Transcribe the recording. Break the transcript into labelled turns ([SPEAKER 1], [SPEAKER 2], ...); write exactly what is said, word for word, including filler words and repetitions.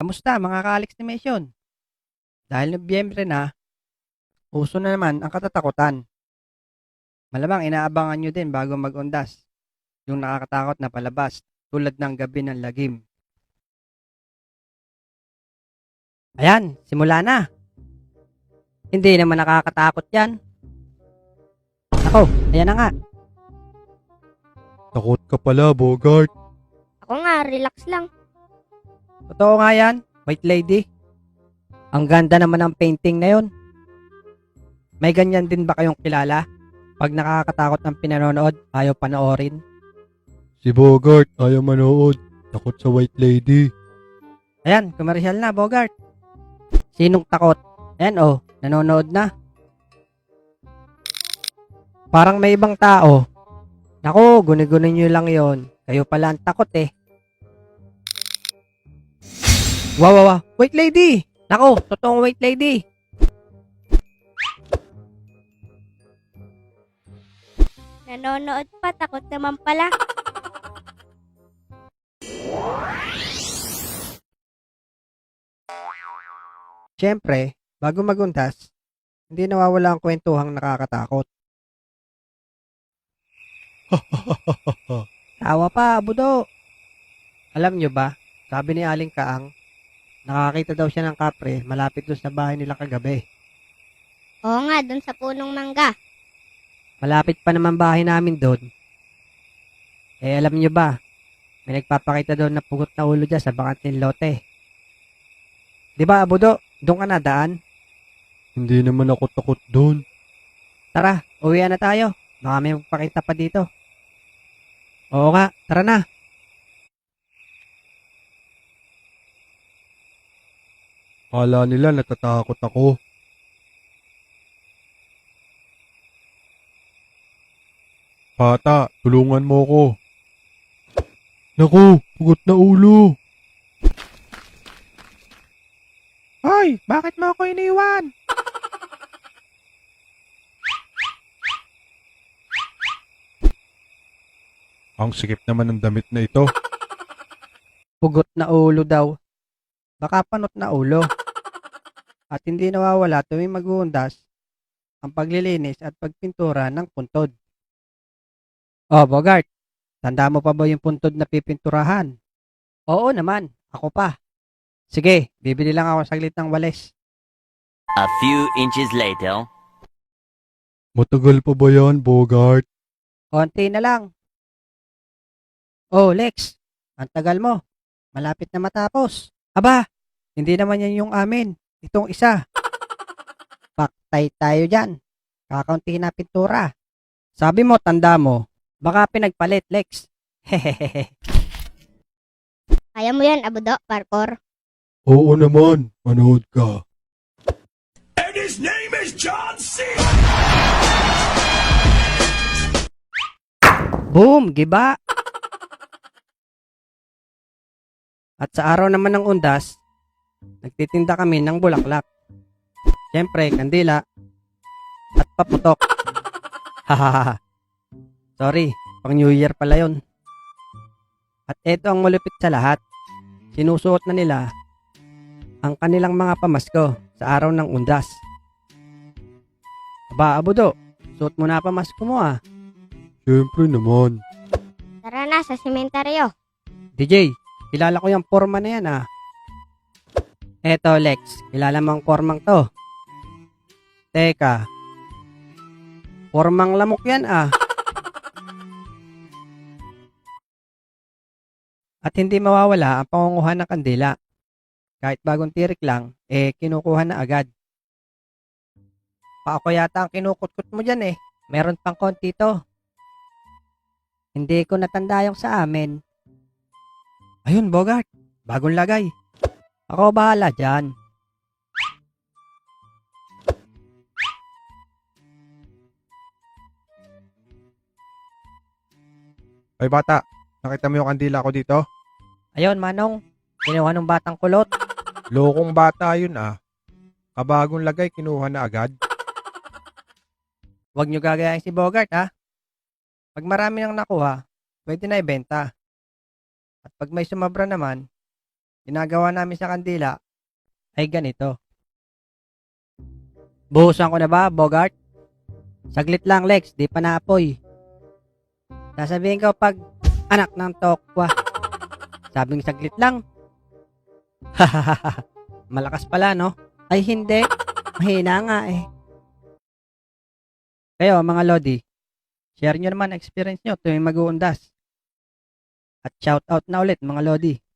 [SPEAKER 1] Kamusta mga ka-Alex Nation? Dahil Nobyembre na, uso na naman ang katatakutan. Malamang inaabangan nyo din bago mag-undas yung nakakatakot na palabas tulad ng Gabi ng Lagim. Ayan, simula na. Hindi naman nakakatakot yan. Ako, ayan na nga.
[SPEAKER 2] Takot ka pala, Bogart.
[SPEAKER 3] Ako nga, relax lang.
[SPEAKER 1] Totoo nga yan, White Lady. Ang ganda naman ng painting na yon. May ganyan din ba kayong kilala? Pag nakakatakot ng pinanonood, ayaw panoorin.
[SPEAKER 2] Si Bogart ayaw manood. Takot sa White Lady.
[SPEAKER 1] Ayan, komersyal na, Bogart. Sinong takot? Ayan, oh, nanonood na. Parang may ibang tao. Naku, guni-guni nyo lang yon. Kayo pala ang takot eh. Wow, wow, wow. White Lady! Naku, totoong White Lady.
[SPEAKER 3] Nanonood pa, takot naman pala.
[SPEAKER 1] Siyempre, bago maguntas, hindi nawawala ang kwentuhang nakakatakot. Tawa pa, Budo. Alam nyo ba, sabi ni Aling Kaang, nakakita daw siya ng kapre malapit doon sa bahay nila kagabi.
[SPEAKER 3] Oo nga, dun sa punong mangga.
[SPEAKER 1] Malapit pa naman bahay namin doon. Eh alam nyo ba, may nagpapakita doon na pugot na ulo dyan sa bakanting lote. Di ba, Budo? Doon ka na daan?
[SPEAKER 2] Hindi naman ako takot doon.
[SPEAKER 1] Tara, uwi na tayo. Baka may magpakita pa dito. Oo nga, tara na.
[SPEAKER 2] Kala nila natatakot ako. Bata, tulungan mo ko. Naku, pugot na ulo.
[SPEAKER 1] Hoy, bakit mo ako iniwan?
[SPEAKER 2] Ang sikip naman ng damit na ito.
[SPEAKER 1] Pugot na ulo daw. Baka panot na ulo. At hindi nawawala tuwing mag-uundas ang paglilinis at pagpintura ng puntod. Oh, Bogart, tanda mo pa ba yung puntod na pipinturahan? Oo naman, ako pa. Sige, bibili lang ako saglit ng walis.
[SPEAKER 4] A few inches later.
[SPEAKER 2] Matagal pa ba yan, Bogart?
[SPEAKER 1] Konti na lang. Oh, Lex, ang tagal mo. Malapit na matapos. Aba, hindi naman yan yung amin. Itong isa. Paktay tayo dyan. Kakaunti na pintura. Sabi mo, tanda mo, baka pinagpalit, Lex. Hehehe.
[SPEAKER 3] Kaya mo yan, Abudo, parkour.
[SPEAKER 2] Oo naman, manood ka.
[SPEAKER 5] And his name is John C.
[SPEAKER 1] Boom, giba. At sa araw naman ng undas, nagtitinda kami ng bulaklak. Siyempre, kandila at paputok. Hahaha. Sorry, pang New Year pala yon. At eto ang malupit sa lahat. Sinusuot na nila ang kanilang mga pamasko sa araw ng undas. Aba, Abudo, suot mo na pamasko mo ah.
[SPEAKER 2] Siyempre naman.
[SPEAKER 3] Tara na sa sementeryo.
[SPEAKER 1] D J, kilala ko yung forma na yan ah. Eto Lex, kilala mo ang formang to. Teka, formang lamok yan ah. At hindi mawawala ang pangunguha ng kandila. Kahit bagong tirik lang, eh kinukuha na agad. Pa ako yata ang kinukutkot mo dyan eh. Meron pang konti to. Hindi ko natanda yung sa amin. Ayun, Bogart. Bagong lagay. Ako bahala dyan.
[SPEAKER 2] Ay bata, nakita mo yung kandila ko dito?
[SPEAKER 1] Ayun, Manong. Kinuha ng batang kulot.
[SPEAKER 2] Lokong bata yun ah. Kabagong lagay, kinuha na agad.
[SPEAKER 1] Huwag nyo gagayahin si Bogart, ha? Pag marami nang nakuha, pwede na ibenta. At pag may sumabra naman, ginagawa namin sa kandila ay ganito. Buhusan ko na ba, Bogart? Saglit lang, Lex. Di pa naapoy. Sasabihin ko pag anak ng tokwa. Sabing saglit lang. Malakas pala, no? Ay, hindi. Mahina nga eh. Kayo, mga Lodi, share nyo naman ang experience nyo tuwing mag-uundas. At shout out na ulit, mga Lodi.